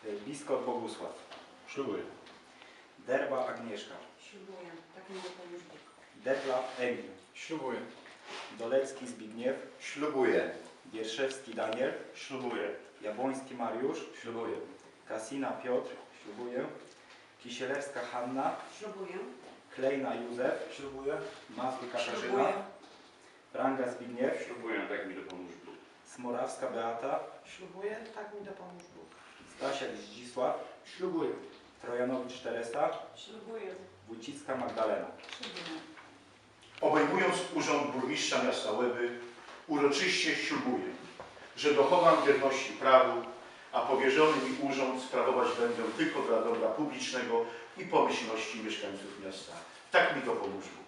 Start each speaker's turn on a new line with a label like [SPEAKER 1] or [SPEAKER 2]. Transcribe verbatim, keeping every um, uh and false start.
[SPEAKER 1] Biskot Bogusław.
[SPEAKER 2] Ślubuję.
[SPEAKER 1] Derba Agnieszka.
[SPEAKER 3] Ślubuję. Tak mi dopomóż Bóg.
[SPEAKER 1] Detlaw Emil.
[SPEAKER 4] Ślubuję.
[SPEAKER 1] Dolecki Zbigniew.
[SPEAKER 2] Ślubuję.
[SPEAKER 1] Wierszewski Daniel.
[SPEAKER 2] Ślubuję.
[SPEAKER 1] Jabłoński Mariusz.
[SPEAKER 2] Ślubuję.
[SPEAKER 1] Kasina Piotr. Ślubuję. Kisielewska Hanna.
[SPEAKER 3] Ślubuję.
[SPEAKER 1] Klejna Józef.
[SPEAKER 2] Ślubuję.
[SPEAKER 1] Mazur Katarzyna.
[SPEAKER 3] Ślubuję.
[SPEAKER 1] Pranga Zbigniew.
[SPEAKER 2] Ślubuję, tak mi dopomóż Bóg.
[SPEAKER 1] Smorawska Beata.
[SPEAKER 3] Ślubuję. Tak mi dopomóż Bóg.
[SPEAKER 1] Stasiak Zdzisław.
[SPEAKER 4] Ślubuję.
[SPEAKER 1] Trojanowicz Teresa.
[SPEAKER 3] Ślubuję.
[SPEAKER 1] Wójcicka Magdalena.
[SPEAKER 3] Ślubuję.
[SPEAKER 5] Obejmując urząd burmistrza miasta Łeby, uroczyście ślubuję, że dochowam wierności prawu, a powierzony mi urząd sprawować będę tylko dla dobra publicznego i pomyślności mieszkańców miasta. Tak mi dopomóż Bóg.